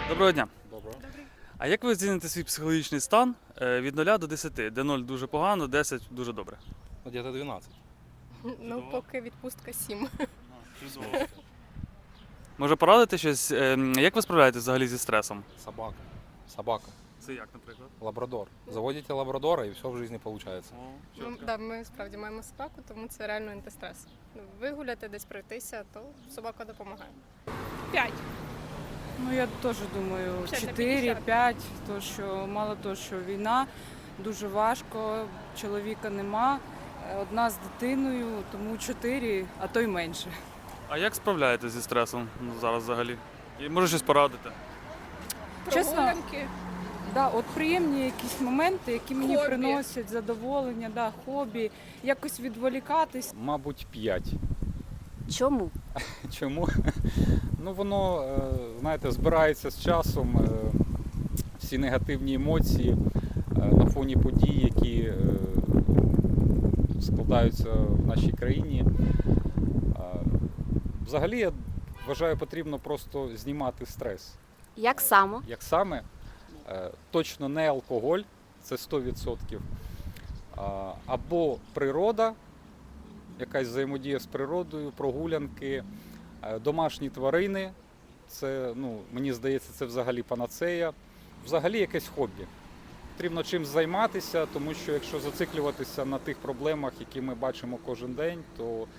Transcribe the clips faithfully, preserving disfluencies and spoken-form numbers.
Доброго дня. Доброго. А як ви оціните свій психологічний стан е, від нуля до десяти, де нуль дуже погано, десять дуже добре? Ну, где-то двенадцать. Ну, поки відпустка сім. Може порадити щось, е, як ви справляєтесь взагалі зі стресом? Собака. Собака. Це як, наприклад? Лабрадор. Заводите лабрадора, и все в жизни получается. Ну, да, ми справді маємо собаку, тому це реально антистрес. Ну, вигуляти, десь пройтися, то собака допомагає. П'ять. Ну, я теж думаю, Ще на чотири-п'ять, то що мало того, що війна, дуже важко, чоловіка нема, одна з дитиною, тому чотири, а то й менше. А як справляєтесь зі стресом ну, зараз взагалі? І може щось порадити? Чесно? Прогулянки. Да, от приємні якісь моменти, які мені Хобі. приносять задоволення, да, хобі, якось відволікатись. Мабуть, п'ять. Чому? Чому? Ну, воно, е, знаєте, збирається з часом, е, всі негативні емоції е, на фоні подій, які е, складаються в нашій країні. Е, Взагалі, я вважаю, потрібно просто знімати стрес. Як саме? Як саме? Е, Точно не алкоголь, це сто відсотків, а, або природа, якась взаємодія з природою, прогулянки, е, домашні тварини. Це, ну, мені здається, це взагалі панацея. Взагалі якесь хобі. Потрібно чимось займатися, тому що якщо зациклюватися на тих проблемах, які ми бачимо кожен день, то е,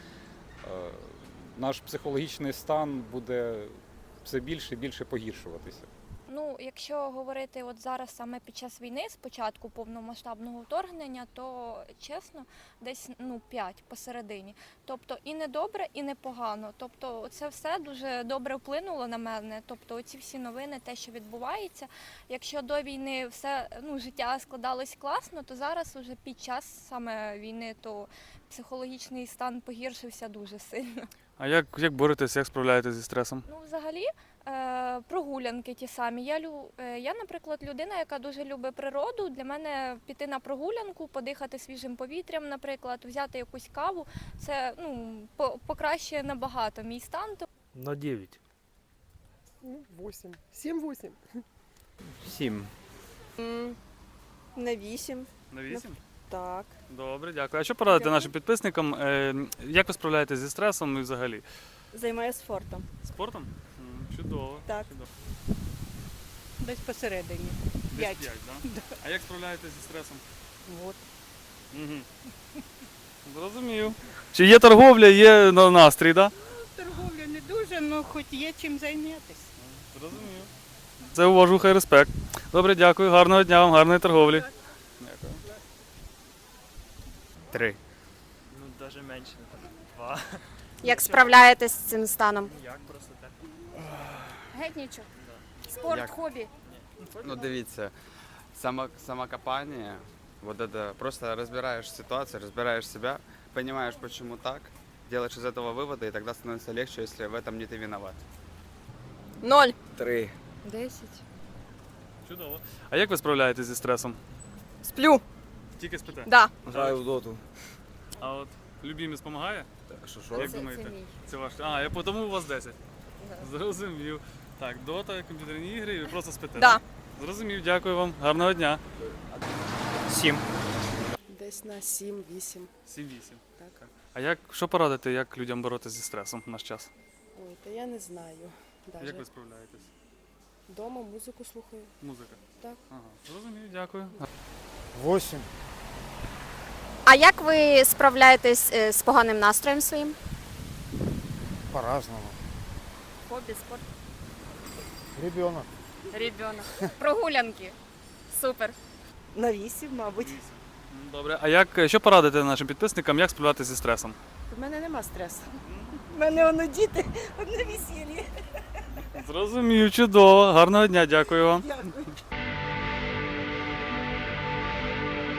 наш психологічний стан буде все більше і більше погіршуватися. Ну, якщо говорити от зараз саме під час війни, з початку повномасштабного вторгнення, то чесно, десь ну п'ять посередині. Тобто і не добре, і не погано. Тобто це все дуже добре вплинуло на мене. Тобто оці всі новини, те, що відбувається. Якщо до війни все ну життя складалось класно, то зараз уже під час саме війни, то психологічний стан погіршився дуже сильно. А як, як боретесь, як справляєтесь зі стресом? Ну, взагалі, е, прогулянки ті самі. Я, лю, е, я, наприклад, людина, яка дуже любить природу. Для мене піти на прогулянку, подихати свіжим повітрям, наприклад, взяти якусь каву, це ну, по, покращує набагато мій стан. На девять. Ну, восемь. Семь-восемь. Семь. На вісім. На вісім? Так. Добре, дякую. А що порадити нашим підписникам? е, Як ви справляєтесь зі стресом і взагалі? Займаюся спортом. Спортом? М, Чудово. Так. Чудово. Десь посередині. Десь П'ять. п'ять, да? А як справляєтесь зі стресом? От. Угу. Зрозумів. Чи є торговля, є на- настрій, так? Да? Торговля не дуже, але хоч є чим зайнятися. Зрозумів. Це уважуха і респект. Добре, дякую. Гарного дня вам, гарної торговлі. Дякую. Три. Ну, даже менше, два. Як справляєтесь з цим станом? Як просто так? Геть нічого. Спорт, Як? хобі. Ну, дивіться, само, самокопание, вот это, просто разбираешь ситуацию, разбираешь себя, понимаешь, почему так, делаешь из этого выводы, и тогда становится легче, если в этом не ты виноват. Ноль. Три. Десять. Чудово. А як ви справляєтесь зі стресом? Сплю. Тільки спите? Да. Граю в доту. А от любімець допомагає? Що Як що? думаєте? Це ваш. А, я тому у вас десять. Зрозумів. Так, дота, комп'ютерні ігри, і ви просто спите. Да. так? Зрозумів, дякую вам. Гарного дня. Сім. Десь на сім-вісім. сім-вісім. Так. А як, що порадити, як людям боротися зі стресом в наш час? Ой, та я не знаю. Даже. Як ви справляєтесь? Дома музику слухаю. Музика? Так. Ага, зрозумів, дякую. Восемь. А як ви справляєтесь е, з поганим настроєм своїм? По-разному. Хобі, спорт. Ребенок. Ребенок. Прогулянки. Супер. На вісім, мабуть. М, Добре. А як, що порадити нашим підписникам, як справлятися зі стресом? У мене нема стресу. У мене воно діти, одне весілля. Зрозумів, чудово. Гарного дня, дякую вам. Дякую.